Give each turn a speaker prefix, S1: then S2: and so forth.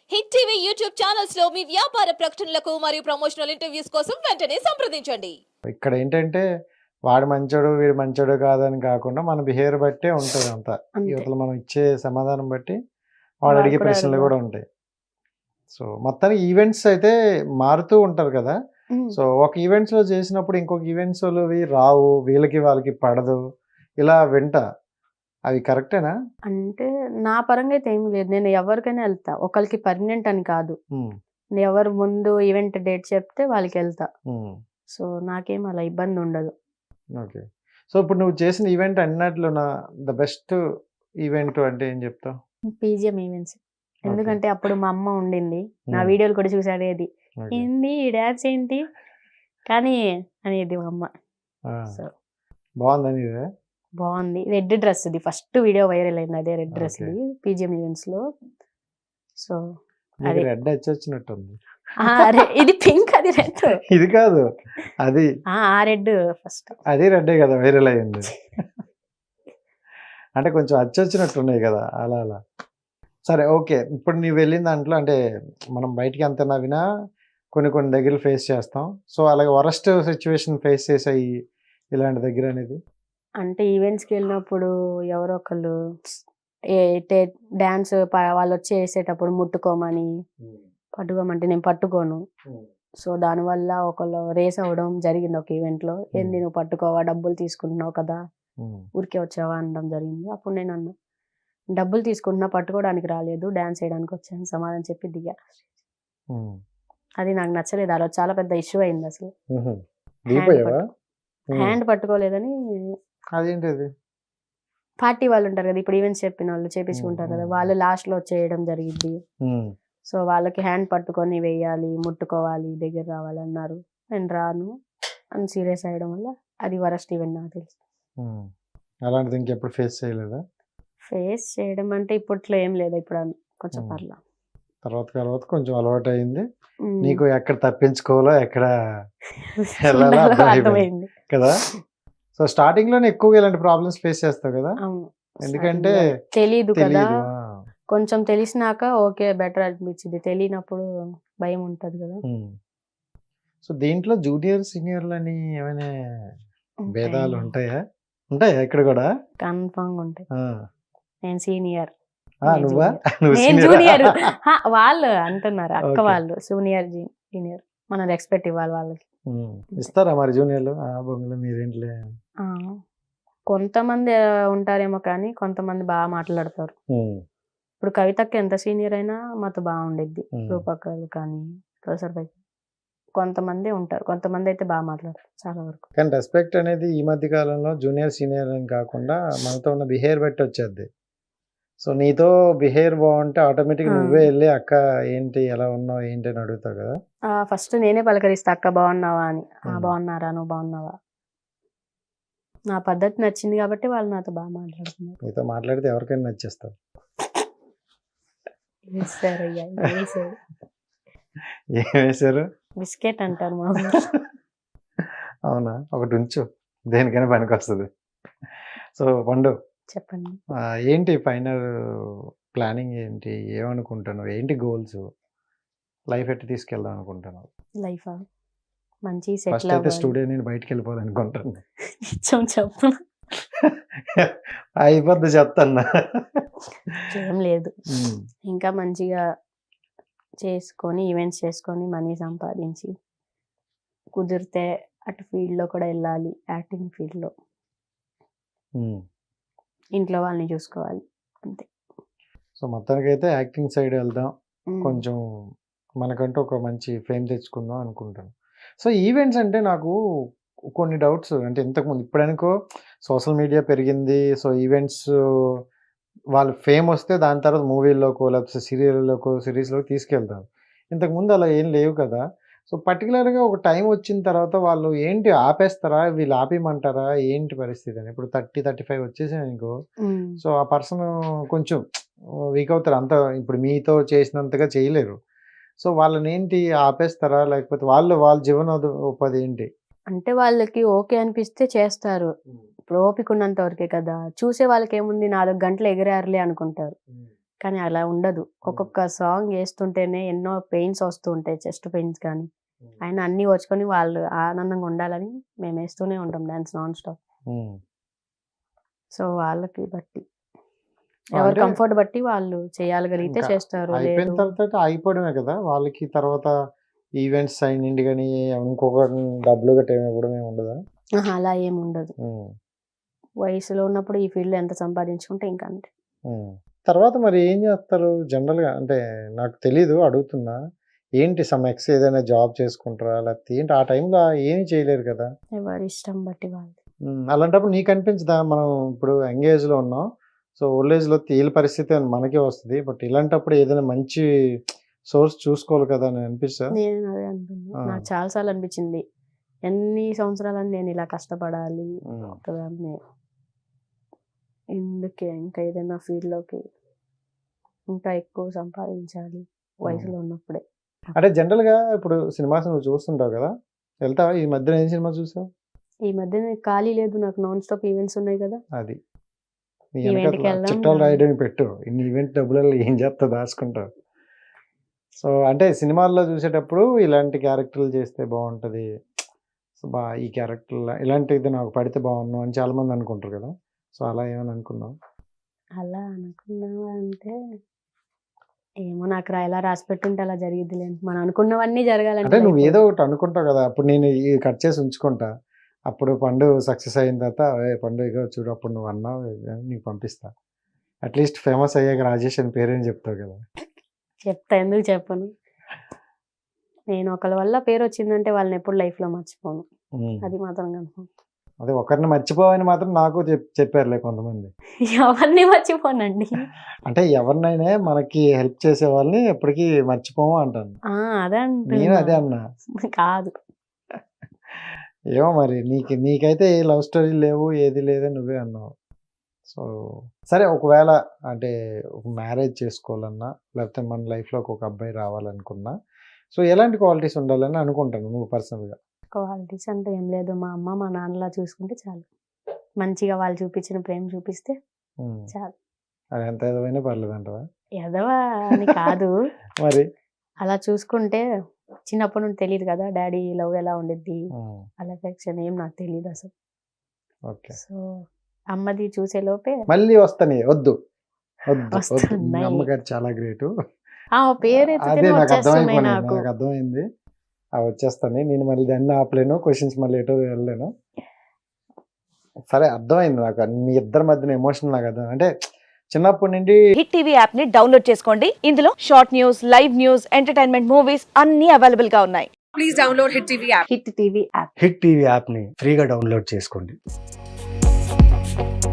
S1: Hit TV YouTube channels లో మీ వ్యాపార ప్రకటనలకు మరియు ప్రమోషనల్ ఇంటర్వ్యూస్ కోసం వెంటనే సంప్రదించండి.
S2: ఇక్కడ ఏంటంటే వాడు మంచోడు వీడు మంచోడు కాదని కాకుండా మన బిహేవియర్ బట్టే ఉంటుంది అంతా.
S3: అంతే.
S2: యువతలు మనం ఇచ్చే సమాధానం బట్టి వాడు
S3: వాడు
S2: అడిగే
S3: కూడా
S2: ప్రశ్నలు
S3: అడగడు.
S2: కూడా ఉంటాయి. సో మొత్తానికి ఈవెంట్స్ అయితే మారుతూ ఉంటారు కదా. సో ఒక ఈవెంట్స్లో చేసినప్పుడు ఇంకొక ఈవెంట్స్లోవి రావు, వీళ్ళకి వాళ్ళకి పడదు, ఇలా వింటా. అవి కరెక్టేనా?
S3: అంటే నా పరంగా అయితే ఏం లేదు. నేను ఎవరికైనా వెళ్తా. ఒకరికి పర్మనెంట్ అని కాదు. నేను ఎవరు ముందు ఈవెంట్ డేట్ చెప్తే వాళ్ళకి వెళ్తా. సో నాకేం అలా ఇబ్బంది ఉండదు.
S2: ఓకే. సో ఇప్పుడు నువ్వు చేసిన ఈవెంట్ అన్నట్లు ద బెస్ట్ ఈవెంట్ అంటే ఏం చెప్తావు?
S3: PGM events. ఎందుకంటే అప్పుడు మా అమ్మ ఉండింది. నా
S2: Hmm.
S3: వీడియోలు కూడా చూసి అడిగేది,
S2: Okay.
S3: ఏంది ఈ డాన్స్ ఏంటి కానీ అనేది మా అమ్మ.
S2: ఆ,
S3: సో
S2: బాగుందని ఇదే.
S3: బాగుంది. రెడ్ డ్రెస్ ఇది ఫస్ట్ వీడియో వైరల్ అయింది. అదే రెడ్ డ్రెస్
S2: Okay.
S3: ఇది పీజిఎం ఈవెంట్స్ లో. సో
S2: నీకు
S3: అదే.
S2: రెడ్ వచ్చి వచ్చినట్టుంది.
S3: ఇది పింక్, అది రెడ్.
S2: ఇది కాదు, అది
S3: ఆ రెడ్ ఫస్ట్.
S2: అది రెడ్డే కదా వైరల్ అయ్యింది. అంటే కొంచెం అచ్చొచ్చినట్టున్నాయి కదా, అలా అలా. సరే, ఓకే. ఇప్పుడు నీవు వెళ్ళిన దాంట్లో అంటే మనం బయటికి అంత నవ్వినా కొన్ని దగ్గర ఫేస్ చేస్తాం. సో అలాగే వరస్ట్ సిచ్యువేషన్ ఫేస్ చేసాయి ఇలాంటి దగ్గర అనేది?
S3: అంటే ఈవెంట్స్కి వెళ్ళినప్పుడు ఎవరో ఒకళ్ళు డాన్స్ వాళ్ళు వచ్చి వేసేటప్పుడు ముట్టుకోమని పట్టుకోమంటే నేను పట్టుకోను. సో దానివల్ల ఒకళ్ళు రేస్ అవ్వడం జరిగింది ఒక ఈవెంట్లో. ఏంది నువ్వు పట్టుకోవా, డబ్బులు తీసుకుంటున్నావు కదా, ఊరికే వచ్చావా అనడం జరిగింది. అప్పుడు నేను అన్నా, డబ్బులు తీసుకుంటున్నా, పట్టుకోవడానికి రాలేదు, డాన్స్ చేయడానికి వచ్చాను సమాధానం చెప్పి దిగా. అది నాకు నచ్చలేదు. ఆ రోజు చాలా పెద్ద ఇష్యూ అయింది అసలు.
S2: దిగిపోయావా?
S3: హ్యాండ్ పట్టుకోలేదని
S2: అదేంటి అది?
S3: పార్టీ వాళ్ళు ఉంటారు కదా, ఇప్పుడు ఈవెంట్స్ చెప్పిన వాళ్ళు చేపించుకుంటారు కదా, వాళ్ళు లాస్ట్ లో చేయడం జరిగింది. సో వాళ్ళకి హ్యాండ్ పట్టుకొని వేయాలి, ముట్టుకోవాలి, దగ్గర రావాలన్నారు. నేను రాను అని సీరియస్ అయ్యడం వల్ల అది వరస్ట్ ఈవెంట్ నాకు తెలుసు.
S2: అలాంటిది ఇంకెప్పుడు ఫేస్ చేయలేదా?
S3: ఫేస్ చేయడం అంటే ఇప్పట్లో ఏం లేదు. ఇప్పుడు కొంచెం పర్లా.
S2: తర్వాత కొంచెం అలవాటు అయింది
S3: ఉమ్.
S2: నీకు. ఎక్కడ తప్పించుకోవాలో ఎక్కడ వెళ్ళాలో అర్థమైపోయింది
S3: అర్థమైంది
S2: కదా. సో స్టార్టింగ్ లోనే ఎక్కువగా ఇలాంటి ప్రాబ్లమ్స్ ఫేస్ చేస్తావు కదా,
S3: అవును.
S2: ఎందుకంటే
S3: తెలీదు కదా.
S2: తెలియదు.
S3: కొంచెం తెలిసినాక ఓకే బెటర్ అనిపించింది. తెలియనప్పుడు భయం ఉంటది కదా.
S2: సో దీంట్లో జూనియర్ సీనియర్లు అని ఏమైనా భేదాలు ఉంటాయా? ఉంటాయా ఇక్కడ కూడా?
S3: కన్ఫర్మ్ ఉంటాయి.
S2: ఆ.
S3: నేను సీనియర్,
S2: నువ్వా? నువ్వు
S3: నేను
S2: senior ఆ?
S3: జూనియర్. వాళ్ళు అంటున్నారు అక్క
S2: Okay.
S3: వాళ్ళు సీనియర్ జూనియర్. మనం రెస్పెక్ట్ ఇవ్వాలి వాళ్ళకి.
S2: ఇస్తారా మరి జూనియర్లు? ఆ బొంగులు మీరేంట్లే.
S3: ఆ, కొంతమంది ఉంటారేమో కానీ కొంతమంది బాగా మాట్లాడతారు. ఇప్పుడు కవితకి ఎంత సీనియర్ అయినా మాతో బాగుండిద్ది. రూపకలు కానీ ప్రొఫెసర్ కొంతమంది ఉంటారు, కొంతమంది అయితే బాగా మాట్లాడతారు చాలా వరకు.
S2: కానీ రెస్పెక్ట్ అనేది ఈ మధ్య కాలంలో జూనియర్ సీనియర్ అని కాకుండా మనతో ఉన్న బిహేవియర్ బట్టి వచ్చేది. సో నీతో బిహేవియర్ బాగుంటే ఆటోమేటిక్ నువ్వే వెళ్ళి అక్క ఏంటి ఎలా ఉన్నావు ఏంటి అని అడుగుతావు కదా.
S3: ఫస్ట్ నేనే పలకరిస్తా, అక్క బాగున్నావా అని.
S2: Hmm.
S3: బాగున్నారా, నువ్వు బాగున్నావా. నా పద్ధతి నచ్చింది కాబట్టి వాళ్ళు నాతో బాగా మాట్లాడుతున్నారు.
S2: నీతో మాట్లాడితే ఎవరికైనా నచ్చేస్తావు.
S3: వేసారయ్యా, వేసారు.
S2: ఏం వేశారు?
S3: బిస్కెట్ అంటారు మా ఊర్లో.
S2: అవునా? ఒకటి ఉంచు, దేనికైనా పనికి వస్తుంది. సో పండు,
S3: చెప్పండి.
S2: ఏంటి ఫైనల్ ప్లానింగ్ ఏంటి? ఏమనుకుంటున్నావు? ఏంటి గోల్స్? లైఫ్ ఎట్టి తీసుకెళ్దాం అనుకుంటున్నావు?
S3: లైఫ్ మంచి
S2: ఫస్ట్
S3: సెటిల్
S2: అయితే
S3: అవ్వాలి.
S2: స్టూడియో నేను బయటికి వెళ్ళిపోవాలనుకుంటాను.
S3: చెప్పు.
S2: అయిపోద్ది చెప్తాను.
S3: ఏం లేదు, ఇంకా మంచిగా చేసుకొని ఈవెంట్స్ చేసుకొని మనీ సంపాదించి కుదిరితే అటు ఫీల్డ్లో కూడా వెళ్ళాలి. యాక్టింగ్ ఫీల్డ్లో ఇంట్లో వాళ్ళని చూసుకోవాలి అంతే.
S2: సో మొత్తానికి అయితే యాక్టింగ్ సైడ్ వెళ్దాం,
S3: ఉమ్.
S2: కొంచెం మనకంటూ ఒక మంచి ఫేమ్ తెచ్చుకుందాం అనుకుంటాను. సో ఈవెంట్స్ అంటే నాకు కొన్ని డౌట్స్. అంటే ఇంతకుముందు ఇప్పుడనుకో సోషల్ మీడియా పెరిగింది. సో ఈవెంట్స్ వాళ్ళు ఫేమ్ వస్తే దాని తర్వాత మూవీల్లోకో లేకపోతే సీరియల్లోకో సిరీస్లోకి తీసుకెళ్తారు. ఇంతకుముందు అలా ఏం లేవు కదా. సో పర్టికులర్గా ఒక టైం వచ్చిన తర్వాత వాళ్ళు ఏంటి ఆపేస్తారా, వీళ్ళు ఆపేయమంటారా, ఏంటి పరిస్థితి అని? ఇప్పుడు 30-35 వచ్చేసాయి అనుకో,
S3: ఉమ్.
S2: సో ఆ పర్సన్ కొంచెం వీక్ అవుతారు. అంత ఇప్పుడు మీతో చేసినంతగా చేయలేరు. సో వాళ్ళని ఏంటి ఆపేస్తారా, లేకపోతే వాళ్ళ జీవనోపాధి ఏంటి?
S3: అంటే వాళ్ళకి ఓకే అనిపిస్తే చేస్తారు. ఇప్పుడు ఓపిక ఉన్నంత వరకే కదా. చూసే వాళ్ళకి ఏముంది, 4 గంటలు ఎగిరారులే అనుకుంటారు. కానీ అలా ఉండదు. ఒక్కొక్క సాంగ్ వేస్తుంటేనే ఎన్నో పెయిన్స్ వస్తూ ఉంటాయి, చెస్ట్ పెయిన్స్ కానీ ఆయన అన్ని వచ్చుకొని వాళ్ళు ఆనందంగా ఉండాలని మేము వేస్తూనే ఉంటాం డాన్స్ నాన్ స్టాప్. సో వాళ్ళకి బట్టి ఎవరి
S2: అంటే
S3: కంఫర్ట్ బట్టి వాళ్ళు చేయగలిగితే
S2: ఇంకా
S3: చేస్తారు,
S2: అయిపోయిన
S3: లేదు
S2: తర్వాత అయిపోవడమే కదా వాళ్ళకి. తర్వాత ఈవెంట్స్ అయినండి కానీ ఇంకొక డబ్బులు గట్రా ఏమి ఇవ్వడం ఏమి ఉండదా?
S3: అలా ఏమి ఉండదు.
S2: ఉమ్,
S3: వయసులో ఉన్నప్పుడు ఈ ఫీల్డ్ ఎంత సంపాదించుకుంటే ఇంకా అంతే.
S2: ఉమ్. తర్వాత మరి ఏం చేస్తారు జనరల్గా? అంటే నాకు తెలీదు, అడుగుతున్నా. ఏంటి సమ్ ఏదైనా జాబ్ చేసుకుంటారా లేకపోతే ఏంటి? ఆ టైంలో ఏమీ చేయలేరు కదా.
S3: ఎవరి ఇష్టం బట్టి వాళ్ళు.
S2: అలాంటప్పుడు నీకు అనిపించదా మనం ఇప్పుడు యంగ్ ఏజ్లో ఉన్నాం, సో ఓల్డ్ ఏజ్లో తేలి పరిస్థితి అని మనకే వస్తుంది, బట్ ఇలాంటప్పుడు ఏదైనా మంచి సోర్స్ చూసుకోవాలి కదా అని అనిపిస్తా?
S3: నేను అదే అంటున్నా, నాకు చాలాసార్లు అనిపించింది ఎన్ని సంవత్సరాలని నేను ఇలా కష్టపడాలి ఒకదాన్ని, ఎందుకే ఇంకా ఏదైనా ఫీల్డ్లోకి ఇంకా ఎక్కువ సంపాదించాలి వయసులో ఉన్నప్పుడే.
S2: అంటే జనరల్గా ఇప్పుడు సినిమాస్ నువ్వు చూస్తుంటావు కదా, వెళ్తావా? ఈ మధ్యన ఏం సినిమా చూసావు?
S3: ఈ మధ్య ఖాళీ లేదు, నాకు నాన్ స్టాప్ ఈవెంట్స్ ఉన్నాయి కదా.
S2: అది నీ
S3: ఈవెంట్కి
S2: వెనకాల
S3: వెళ్దాం
S2: చిట్టాలు రాయడానికి పెట్టు, ఇన్ని ఈవెంట్ డబ్బులలో ఏం చేస్తా దాచుకుంటావు. సో అంటే సినిమాల్లో చూసేటప్పుడు ఇలాంటి క్యారెక్టర్లు చేస్తే బాగుంటుంది, సో ఈ క్యారెక్టర్ ఇలాంటిది నాకు పడితే బాగున్నాను అని చాలా మంది అనుకుంటారు కదా. సో అలా ఏమని అనుకున్నావు?
S3: అలా అనుకున్నావా అంటే ఏమో, నాకు ఎలా రాసి పెట్టుంటే అలా జరిగిద్దిలే. మనం అనుకున్నవన్నీ
S2: అంటే
S3: జరగాలంటే
S2: నువ్వు ఏదో ఒకటి అనుకుంటావు కదా, అప్పుడు నేను ఇది కట్ చేసి ఉంచుకుంటా, అప్పుడు పండు సక్సెస్ అయిన తర్వాత పండు ఇగో చూడు అప్పుడు నువ్వు అన్నావు అని నీకు పంపిస్తా. అట్లీస్ట్ ఫేమస్ అయ్యాక రాజేష్ అని పేరేని చెప్తావు కదా.
S3: చెప్తా, ఎందుకు చెప్పను. నేను ఒకళ్ళ వల్ల పేరు వచ్చిందంటే వాళ్ళని ఎప్పుడు లైఫ్లో మర్చిపోను, అది మాత్రం కన్ఫర్మ్.
S2: అదే ఒకరిని మర్చిపోవని మాత్రం నాకు చెప్పారులే కొంతమంది.
S3: ఎవరిని మర్చిపోనండి.
S2: అంటే ఎవరినైనా మనకి హెల్ప్ చేసే వాళ్ళని ఎప్పటికీ మర్చిపోము అంటాను.
S3: అదే
S2: నేను అదే అన్నా.
S3: కాదు,
S2: ఏమో మరి నీకైతే ఏ లవ్ స్టోరీ లేవు, ఏది లేదని నువ్వే అన్నావు. సో సరే, ఒకవేళ అంటే ఒక మ్యారేజ్ చేసుకోవాలన్నా లేకపోతే మన లైఫ్లోకి ఒక అబ్బాయి రావాలనుకున్నా, సో ఎలాంటి క్వాలిటీస్ ఉండాలని అనుకుంటాను నువ్వు పర్సనల్గా?
S3: క్వాలిటీస్ అంటే ఏం లేదు, మా అమ్మ మా నాన్నలా చూసుకుంటే చాలు, మంచిగా వాళ్ళు చూపించిన ప్రేమ చూపిస్తే చాలు.
S2: అది ఎంత ఏదైనా పర్లేదు అంటావా?
S3: ఎదవా అని కాదు,
S2: మరి
S3: అలా చూసుకుంటే. చిన్నప్పటి నుండి తెలియదు కదా డాడీ లవ్ ఎలా ఉండిద్ది, అలా ఎఫెక్షన్ ఏం నాకు తెలియదు అసలు.
S2: ఓకే,
S3: సో అమ్మది చూసే లోపే
S2: మళ్ళీ వస్తానే వద్దు వద్దు వద్దు, మీ
S3: వస్తున్నాయి.
S2: అమ్మగారు చాలా గ్రేటు.
S3: పేరు
S2: అదే
S3: ఎత్తితేనే
S2: నాకు
S3: వచ్చేస్తున్నాయి
S2: అర్థమైపోయింది,
S3: నాకు.
S2: నాకు అర్థమైంది. వచ్చేస్తాను నేను, మళ్ళీ దాన్ని ఆపలేను, క్వశ్చన్స్ మళ్ళీ ఎటో వెళ్ళలేను. సరే అర్థమైంది నాకు, మీ ఇద్దరి మధ్యన ఎమోషన్ నాకు అర్థం. అంటే చిన్నప్పటి నుండి
S4: హిట్ టీవీ యాప్ ని డౌన్లోడ్ చేసుకోండి. ఇందులో short news, live news, entertainment movies అన్ని అవైలబుల్ గా ఉన్నాయి.
S5: Please download Hit TV app.
S3: Hit TV app.
S6: Hit TV యాప్ని ఫ్రీగా డౌన్లోడ్ చేసుకోండి.